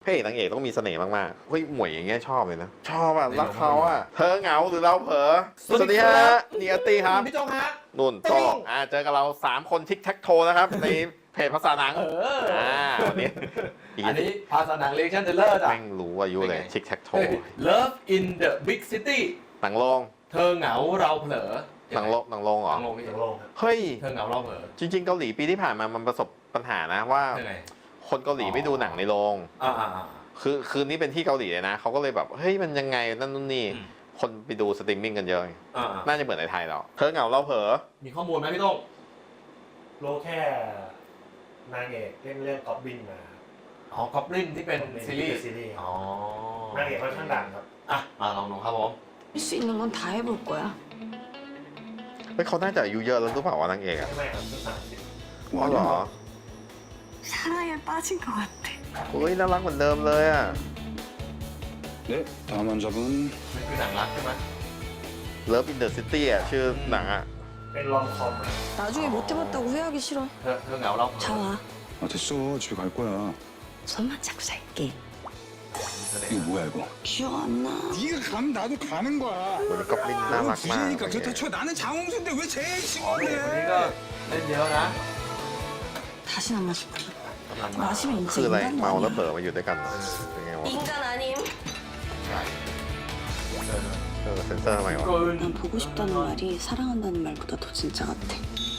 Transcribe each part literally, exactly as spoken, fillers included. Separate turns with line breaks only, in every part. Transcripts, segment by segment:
ระเอกนางเอกต้องมีเสน่ห์มากๆเฮ้ยหมวยอย่างเงี้ยชอบเลยนะชอบอ่ะรักเขาอ่ะเธอเหงาหรือเราเผลอสวัสดีฮะนี่อาร์ตี้ครับ
พี่โจงฮะ
นุ่นโจงอ่าเจอกับเราสามคนทิกแท็กโทนะครับในเพจภาษาหนัง
เอออ่
อ่าวันนี้
อันนี้ภาษาหนังเรียกชันเทเลอร์จ้ะ
แม่งรู้อายุเลยทิกแท็กโท
Love in the Big City
หนังโรง
เธอเหงาเราเผลอ
หนังโรงหนังโรงเหร
ห
อ
นังโรงพี่
หนังโรง
เฮ้ย
เธอเหงาเราเผลอ
จริงๆเกาหลีปีที่ผ่านมามันประสบปัญหานะว่า
ยังไง
คนเกาหลีไม่ดูหนังในโรง
อ่าอ่าอ่า
คือคืนนี้เป็นที่เกาหลีเลยนะเขาก็เลยแบบเฮ้ยมันยังไงนั่นนู่นนี่
อืม
คนไปดูสตรีมมิ่งกันเยอะ
อ่าอ่า
น่าจะเหมือนในไทยเราเธอเหงาเราเผลอ
มีข้อมูลไหมพี่โต้ง
โลแค่นางเอกเล่นเรื่องก๊อบบินมา
อ๋อกอบลินที่เป็นซีรีส์
ซีรีส์
อ๋อน
างเอกค่อนข้างดังครับ
อ่ะมาลองดูครับผม
할 수 있는 건 다 해볼 거야.
เฮ้ยเขาน่าจะอายุเยอะแล้วหรือเปล่าวะนางเอกอะ
ไม่ครับที่สามสิบ
อ๋อเหรอ
사랑에 빠진 것 같아.
เฮ้ยน่ารักเหมือนเดิมเลยอะ
네, 다음 환자분
มันคือหนังรักใช่ไหม
Love in the City อะชื่อหนังอะ
เป็นลอมคอมอะ
나중에 못 해봤다고 후회하기 싫어.
เธอเธอเหงาเราเผลอ
자 와.
아 됐어 집에 갈 거야
손만 잡고 살게.
이거 뭐야 이거
기억 안 나.
네가 가면 나도 가는 거야
เหมือนกับลินน่ารักมาก
부재니까 그렇다 쳐 나는 장홍수인데 왜 제일
อ๋อเด็กคนนี้ก็
친구래
เล่นเยอะนะ
다신 안 마실 거야.
กำลังมา
마시면
คือ
이제
อะไร
인간
เมาแล้วเผล
아니야.
อมาอยู่ด้วยกันเป็นไงวะ
인간 아님.
ใช่
เออเซนเซอร์ทำไมวะ
เกิน
난 보고 싶다는 말이 사랑한다는 말보다 더 진짜 같아.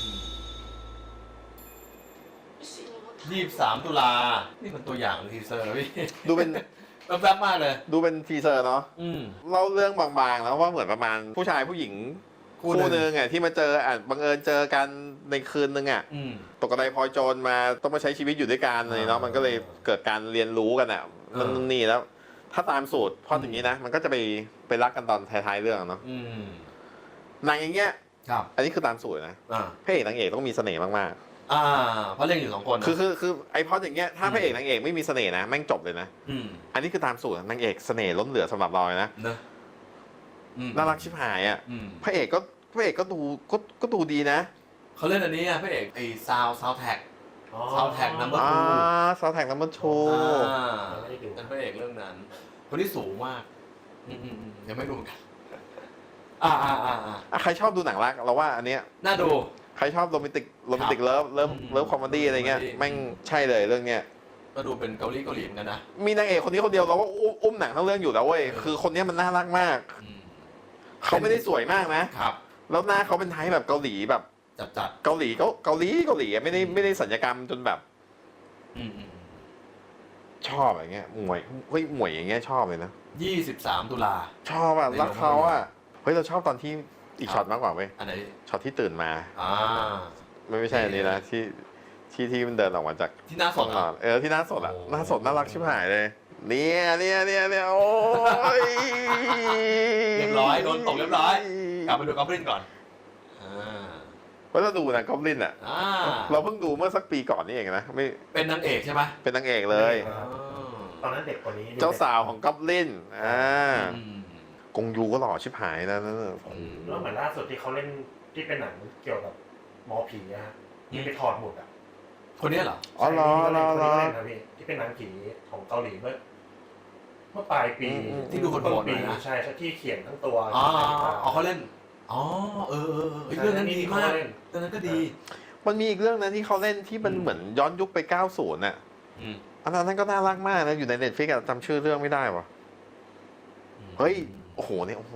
ยี่สิบสามตุลา นี่มันตัวอย่างทีเซอร์พี่
ดูเป็น
แวบๆมากเลย
ดูเป็นทีเซอร์เนาะ
อืม
เล่าเรื่องบางๆแล้วว่าเหมือนประมาณผู้ชายผู้หญิง
คู่
คู่
หนึ่ง
หนึ่งอ่ะที่มาเจออ่ะบังเอิญเจอกันในคืนนึงอ่ะ
อืม
ตกกระไดพลอยโจรมาต้องมาใช้ชีวิตอยู่ด้วยกันเลยเนาะ
อ่ามั
มันก็เลยเกิดการเรียนรู้กันอ่ะ
อ่า
นั่นนี่แล้ว ถ้าตามสูตรพออย่างนี้นะ มันก็จะไปไปรักกันตอนท้ายๆเรื่องเนาะ
อืม
หนังอย่างเงี้ย
ครับ
อันนี้คือตามสูตรนะ
อ่า
พระเอกนางเอกต้องมีเสน่ห์มาก
อ่า เพราะเล่นอยู่สองคน
ๆ คือคือคือไอพออย่างเงี้ยถ้าพระเอกนางเอกไม่มีเสน่ห์นะแม่งจบเลยนะ
อืม
อันนี้คือตามสูตรนางเอกเสน่ห์ล้นเหลือสำหรับเราเลยนะ
เนอะอืม
น่ารักชิบหายอ่ะ
อืม
พระเอกก็พระเอกก็ดูก็ก็ดูดีนะ
เขาเล่นอันนี้อ่ะพระเอกไอ้ซาวซาวแท็ก
อ๋อ
Soundtrack number
อ่าซาวแท็กนัมเบอร์โช
อ่า
ไม่ได้ดู
เป็นพระเอกเรื่องนั้น คนที่สูงมาก อืมอืมอืมยังไม่ดูเหมือนกัน อ่าอ่าอ่าอ่า
อ่ะใครชอบดูหนังรักเราว่าอันเนี้ย
น่าดู
ใครชอบโรแมนติกโรแมนติกเลิฟเลิฟ
อืม
เลิฟคอมเมดี้อะไรเงี้ย
comedy
แม่งใช่เลยเรื่องเนี้ย
ก็ดูเป็นเกาหลีเกาหลีเหมือนกันนะ
มีนางเอกคนนี้คนเดียวเราก็อุ้มอุ้มหนังทั้งเรื่องอยู่แล้วเว้ยคือคนเนี้ยมันน่ารักมาก
อืม
เขาไม่ได้สวยมากนะ
ครับ
แล้วหน้าเขาเป็นไทป์แบบเกาหลีแบบ
จัดจัด
เกาหลีเกาเกาหลีเกาหลีอะไม่ได้ไม่ได้สัญญกรรมจนแบบ
อืมอืม
ชอบอย่างเงี้ยหมวยเฮ้ยหมวยอย่างเงี้ยชอบเลยนะ
ยี่สิบสามตุลา
ชอบอ่ะ
ใน
รักเขาอ่ะเฮ้ยเราชอบตอนที่อีก
ครับ
ช็อตมากกว่าเว้ย
อันไหน
ช็อตที่ตื่นมา
อ่า
ไม่ไม่ใช่อันนี้นะที่ที่ที่มันเดินออกมาจาก
ที่หน้าสด
อ่
อ่ะ
เออที่หน้าสดอ่ะ
โอ้
หน้าสดน่ารักชิบหายเลยเนี่ยเนี่ยเนี่ยเนี่ยโอ้ย
เรียบร้อยโดนตกเรียบร้อย กลับมาดูกอล์ฟลินก่อน อ่า
เพราะเราดูนะกอบลินอ่ะ
อ่า
เราเพิ่งดูเมื่อสักปีก่อนนี่เองนะไม่
เป็นนางเอกใช่ไหม
เป็นนางเอกเลย
อ๋อ
ตอนนั้นเด็กกว่านี้
เจ้าสาวของกอบลินอ่า
อืม
กงยูก็หล่อชิบหายนะนั่นน่ะ
แล้วเหมือนล่าสุดที่เขาเล่นที่เป็นหนังเกี่ยวกับหมอผีนะฮะที่ไปถอดหมุดอ่ะ
คนนี้เหรอ
อ๋อเหรอเหรอเหรอ
ใช่ที่เขาเล่นนะพี่ที่เป็นหนังผีของเกาหลีเมื่อเมื่อปลายปี
อืมอืม
ที่ดูโหดๆ
ต้น
หน่
ปี
อยนะ
ใช่ใช่ที่เขียนทั้งตัว
อ๋ออ๋อเขาเล่น อ๋อ เออเออเออเฮ้ยเรื่องนั้นดีมาก
เล่น
เรื่องนั้นก็ดี
มันมีอีกเรื่องนะที่เขาเล่นที่มันเหมือนย้อนยุคไปเก้าสิบน่ะ
อืม
อันนั้นก็น่ารักมากนะอยู่ในเน็ตฟลิกซ์จำชื่อเรื่องไม่ได้วะเฮ้ยโอ้โหเนี่ยโอ้โห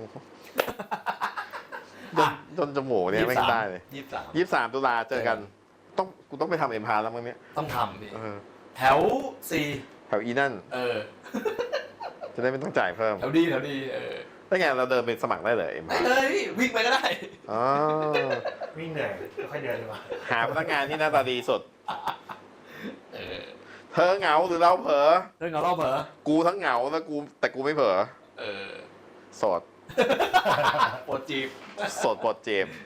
จนจนจมูกเนี่ยไม่ได้เลย
ยี่สิบสาม
ยี่สิบสามตุลาเจอกัน ต้องกูต้องไปทำเอ็มพาแล้วมั้งเนี่ย
ต้องทำดิ
เออ
แถวสี่
แถวอีนั่น
เออ
จะได้ไม่ต้องจ่ายเพิ่ม
แถวดีแถวดีเออ
ได้ไงเราเดินไปสมัครได้เลยเอ็ม
ได้
พา
เลยวิ่งไปก็ได้
อ๋อ
วิ่งเหนื่อยค่อยเดินเลยว่ะ
หาพนักงานที่หน้าตาดีสุด
เออ
เธอเหงาหรือเราเผลอ
เรื่องของเราเผลอ
กูทั้งเหงาแล้วกูแต่กูไม่เผลอ
เออ
โสด
ปวดจีบ
โสดปลดเจ็บ